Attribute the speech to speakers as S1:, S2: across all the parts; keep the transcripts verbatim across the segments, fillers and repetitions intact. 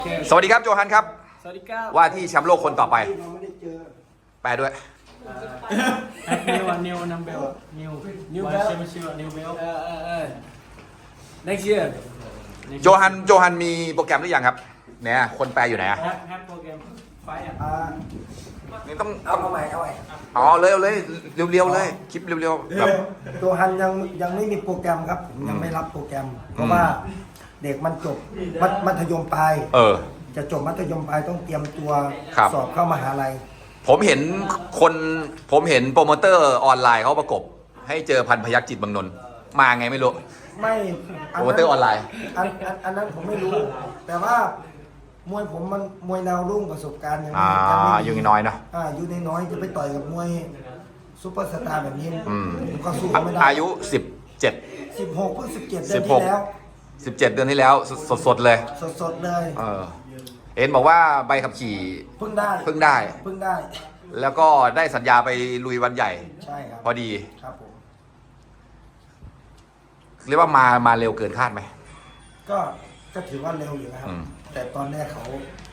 S1: สวัสดีครับโจฮันครับ
S2: สวัสดีครับ
S1: ว่าที่แชมป์โลกคนต่อไปแปลด้วย
S2: นิวนิวนัมเบลนิวนิวเบลนิวเบลเออเออเออ next year
S1: โจฮันโจฮันมีโปรแกรมหรือยังครับเนี่ยคนแปลอยู่ไหนอะ
S2: แฮปแฮปโปรแกรมไฟอ่ะ
S1: นี่ต้อง
S3: เอาเอาใหม่เอาใหม่
S1: อ๋อเลยเอาเลยเร็วๆเลยคลิปเร็วๆแบบ
S3: ตัวฮันยังยังไม่มีโปรแกรมครับผมยังไม่รับโปรแกรม เพราะว่าเด็กมันจบมัธมัธยมปลาย
S1: เออ
S3: จะจบมัธยมปลายต้องเตรียมตัว
S1: ครับ
S3: สอบเข้ามหาลัย
S1: ผมเห็นคนผมเห็นโปรโมเตอร์ออนไลน์เขาประกบให้เจอพันพยัคฆ์จิตเมืองนนท์มาไงไม่รู้
S3: ไม่
S1: โปรโมเตอร์ออนไลน์
S3: อันอันอันนั้นผมไม่รู้ แต่ว่ามวยผมมันมวยดาวรุ่งประสบการณ์ยัง
S1: อ่า
S3: ไม่ยังไม่
S1: อยู่น้อยเนาะ
S3: อ่าอยู่ในน้อยจะไปต่อยกับมวยซุปเปอร์สตาร์แบบนี้
S1: อืม
S3: ผมก็สู้เขาไม่ได้
S1: อายุสิบเจ็ด
S3: สิบหกเพิ่งสิบเจ็ดเดื
S1: สิ
S3: อน
S1: บหก
S3: ที่แล้ว
S1: สิบเจ็ดเดือนที่แล้วสดๆเลย
S3: สดๆเลย
S1: เออเห็นบอกว่าใบขับขี่
S3: เพิ่งได้
S1: เพิ่งได้
S3: เพิ่งได้
S1: แล้วก็ได้สัญญาไปลุยวันใหญ่
S3: ใช่ครับ
S1: พอดี
S3: ครับผม
S1: เรียกว่ามามาเร็วเกินคาดไหม
S3: ก็ก็ถือว่าเร็วอยู่นะครับ
S1: อืม
S3: แต่ตอนแรกเขา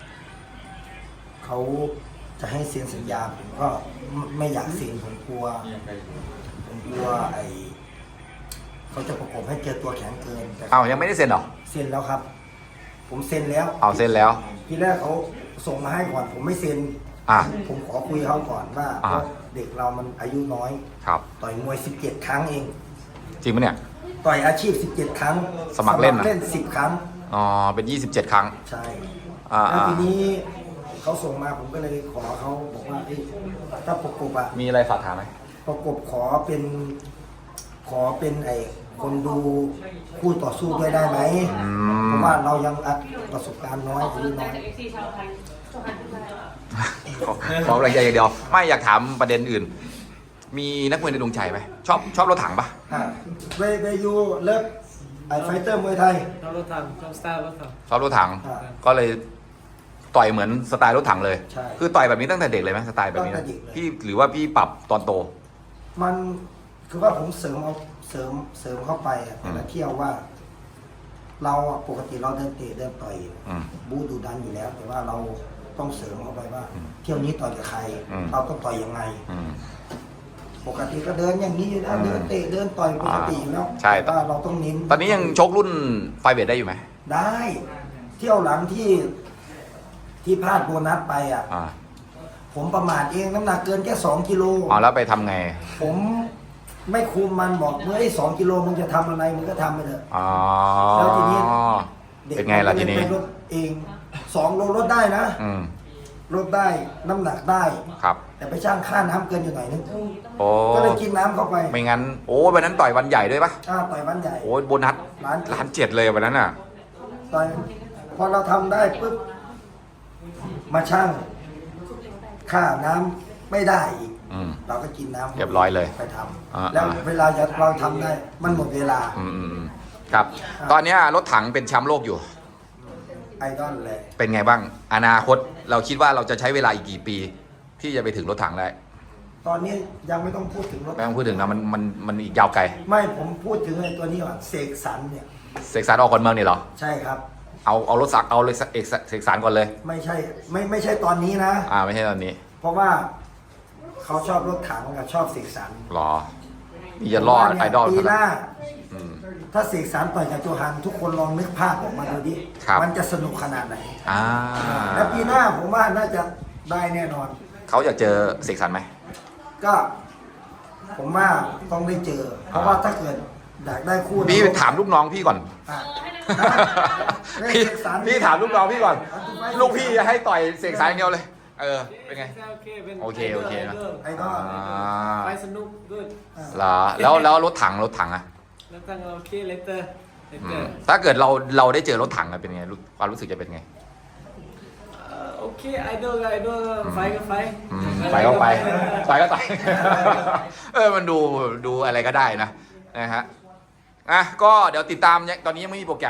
S3: เขาจะให้เซ็นสัญญาผมก็ไม่ไม่อยากเซ็นผมกลัว ผมกลัวไอเขาจะประกบให้เจอตัวแข็งเกินแต่
S1: อ้าวยังไม่ได้เซ็นเหรอ
S3: เซ็นแล้วครับ ผมเซ็นแล้ว
S1: เอาเซ็นแล้ว
S3: ทีแรกเขาส่งมาให้ก่อน ผมไม่เซ็น
S1: อ่ะ
S3: ผมขอคุยเขาก่อนว่า
S1: อ่า
S3: เด็กเรามันอายุน้อย
S1: ครับ
S3: ต่อยมวยสิบเจ็ดครั้งเอง
S1: จริงปะเนี่ย
S3: ต่อยอาชีพสิบเจ็ดครั้ง
S1: สมัครเล่นนะ
S3: เล่นสิบครั้ง
S1: อ๋อเป็นยี่สิบเจ็ดครั้ง
S3: ใช่
S1: อ่า
S3: แล้วทีนี้เขาส่งมาผมก็เลยขอเขาบอกว่าเอ้ยถ้าประกบอะ
S1: มีอะไรฝากถามไหม
S3: ประกบขอเป็น ขอเป็นไอ้คนดูคู่ต่อสู้ด้วยได้ไหม
S1: อื
S3: เพ
S1: ม
S3: ราะว่าเรายังอัดประสบการณ์น้อยอายุน้อย
S1: ขอขอแรงใจอย่างเดียว ไม่อยากถามประเด็นอื่น มีนักมวยในดวงใจไหมชอบชอบรถถังปะ
S3: อ่ะเวเวยูเลิฟไอไฟเตอร์มวยไทย
S2: เรารถถังเราสไตล์รถถัง
S1: ชอบรถถัง
S3: อ่า
S1: ก็เลยต่อยเหมือนสไตล์รถถังเลย
S3: ใช่
S1: คือต่อยแบบนี้ตั้งแต่เด็กเลยไหมสไตล์แบบนี้
S3: ตั้
S1: นะ
S3: งแต่เด็กเลย
S1: พี่หรือว่าพี่ปรับตอนโต
S3: มันคือว่าผมเสริมเอาเสริมเสริมเข้าไปอะแต่ละเที่ยวว่า เราอะปกติเราเดินเตะเดินต่อย
S1: อืม
S3: บูดูดันอยู่แล้ว แต่ว่าเราต้องเสริมเข้าไปว่า เที่ยวนี้ต่อยกับใคร
S1: อืม
S3: เราต้องต่อยยังไง
S1: อืม
S3: ปกติก็เดินอย่างนี้อยู่แล้ว
S1: อืม
S3: เดินเตะเดินต่อยปกติอยู่แล้ว
S1: ใช่
S3: แต่ว่าเราต้องเน้น
S1: ตอนนี้ยังชกรุ่นไฟเวทได้อยู่ไหม
S3: ได้ เที่ยวหลังที่ที่พลาดโบนัสไปอ่ะ
S1: อ่า
S3: ผมประมาทเองน้ำหนักเกินแค่สองกิโล
S1: อ๋อแล้วไปทำไง
S3: ผมไม่คุมมันบอกเมื่อไอ้สองกิโลมึงจะทำอะไรมึงก็ทำไปเถอะ
S1: อ๋อ
S3: แล้วทีนี้ ด็ก
S1: เป็นไงล่ะทีนี้
S3: มัก็เลยไปลดเองสองโลลดได้นะ
S1: อืม
S3: ลดได้น้ำหนักได้
S1: ครับ
S3: แต่ไปช่างค่าน้ำเกินอยู่หน่อยนึง
S1: โอ้
S3: ก็เลยกินน้ำเข้าไป
S1: ไม่งั้น โอ้วันนั้นต่อยวันใหญ่ด้วยปะ
S3: อ่าต่อยวันใหญ่
S1: โอ้โบนัส
S3: ล้านเจ็ด
S1: ล้านเจ็ดเลยวันนั้นอ่ะ
S3: ต่อยพอเราทำได้ปุ๊บมาช่างค่าน้ำไม่ได้อีก
S1: อืม
S3: เราก็กินน้ำ
S1: เรียบร้อยเลย
S3: ไปท
S1: อ่า
S3: ำแล้ว
S1: อ่า
S3: เวลาเราทำได้มันหมดเวลา
S1: อืมอืมอืมครับ ตอนเนี้ยรถถังเป็นแชมป์โลกอยู่
S3: ไอดอลเลย
S1: เป็นไงบ้าง อนาคตเราคิดว่าเราจะใช้เวลาอีกกี่ปี ที่จะไปถึงรถถังได้
S3: ตอนนี้ยังไม่ต้องพูดถึงรถ
S1: ไม่ต้องพูดถึงนะมันมันมันอีกยาวไกล
S3: ไม่ผมพูดถึงไอ้ตัวนี้ก่อนเสกสรรเนี่ย
S1: เสกสรรออกคนเมืองนี่เหรอ
S3: ใช่ครับ
S1: เอาเอารถสักเอาเลยเอกเสกสรรก่อนเลย
S3: ไม่ใช่ไม่ไม่ใช่ตอนนี้นะ
S1: อ่าไม่ใช่ตอนนี้
S3: เพราะว่าเขาชอบรถถังกับชอบเสกสรร
S1: หรอนี่จะรอดไอดอล
S3: ปี
S1: ข
S3: ห
S1: นาด
S3: น้า
S1: อืม
S3: ถ้าเสกสรรต่อยกับโจฮันทุกคนลองนึกภาพออกมาดูดิ
S1: ครับ
S3: มันจะสนุกขนาดไหน
S1: อ่า
S3: แล้วปีหน้าผมว่าน่าจะได้แน่นอน
S1: เขาอยากเจอเสกสรรไหม
S3: ก็ผมว่าต้องได้เจอ เพราะว่าถ้าเกิดอยากได้คู่
S1: พี่
S3: นะ
S1: ถามลูกน้องพี่ก่อน
S3: อ่ะ
S1: พี่
S3: เสกสรร
S1: พี่ถามลูกน้องพี่ก่อน ลูกพี่จะให้ต่อยเสกสรรอย่างเดียวเลย เออ เป็นไง
S2: โอเคเป็น
S1: โอเคโอเคนะ
S3: ไอ้ก็
S1: อ่า
S2: ไฟสนุกด้วย
S1: เหรอแล้วแล้วรถถังรถถังอะ
S2: แล้วตั้งเราโอเคเลเตอร์เล
S1: อื
S2: เตอ
S1: ม
S2: ร์
S1: ถ้าเกิดเราเราได้เจอรถถังอะเป็นไงรู้ความรู้สึกจะเป็นไง
S2: โอเคไอดอลไอดอลไฟก็ไฟ
S1: อืมไปก็ไปไปก็ไป เออมันดูดูอะไรก็ได้นะนะฮะอ่ะก็เดี๋ยวติดตามเนี่ยตอนนี้ยังไม่มีโปรแกรม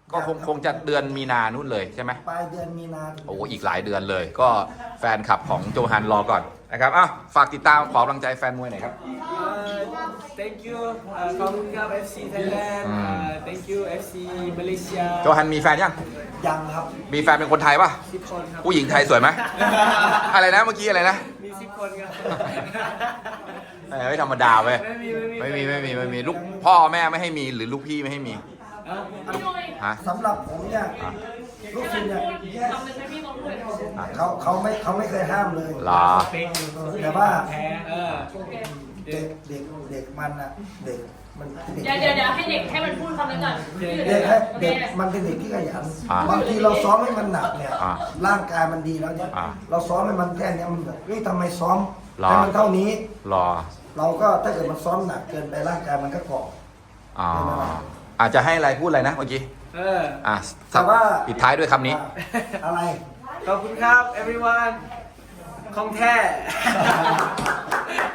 S1: ก็คงคงจะเดือนมีนานู่นเลยใช่ไหม
S3: ปลายเดือนมีนาถึง
S1: โอ้อีกหลายเดือนเลย ก็แฟนคลับของโจฮันรอก่อนนะครับอ้าวฝากติดตามขอกำลังใจแฟนมวยหน่อยครับ
S2: thank you ขอบคุณครับ เอฟ ซี Thailand
S1: อืม
S2: thank you เอฟ ซี Malaysia
S1: โจฮันมีแฟนยัง
S3: ยังครับ
S1: มีแฟนเป็นคนไทยป่ะ
S2: สิบคนครับ
S1: ผู้หญิงไทยสวยไหม อะไรนะเมื่อกี้อะไรนะ
S2: มีสิบคนครับ
S1: เอ้ยไม่ธรรมดาเว้ย
S2: ไม่มี
S1: ไม่มีไม่มีไม่มีลูกพ่อแม่ไม่ให้มีหรือลูกพี่ไม่ให้มี
S2: เอ้า
S1: ฮะ
S3: สำหรับผมเนี่ยลูกศิษย์เนี่ย
S4: ทำเป็นไม่มีความรู้
S3: เขาเขาไม่เขาไม่เคยห้ามเลย
S1: เหรอ
S2: เป็นอยู่
S3: แต่ว่า
S2: แพ้เออ
S3: เด็กเด็กเด็กมันอะเด็กมันเด็ก
S4: เดี๋ยวเดี๋ยวเดี๋ยวให้เด็กให้มันพูดคำนั้นก่อน
S3: เด็กให้เด็กมันเป็นเด็กที่ขยัน
S1: อ่า
S3: บางทีเราซ้อมให้มันหนักเนี่ย
S1: อ่า
S3: ร่างกายมันดีแล้วเนี่ย
S1: อ่า
S3: เราซ้อมให้มันแค่เนี้ยมันแบบเฮ้ยทำไมซ้อม
S1: หรอ
S3: ให้มันเท่านี้
S1: รอ
S3: เราก็ถ้าเกิดมันซ้อมหนักเกินไปร่างกายมันก็เกาะ
S1: อ๋ออาจจะให้อะไรพูดอะไรนะเมื่อกี้
S2: เออ
S1: อ่ะ
S3: แต่ว่า
S1: ปิดท้ายด้วยคำนี้
S3: อะไร
S2: ขอบคุณครับ everyone ของแท้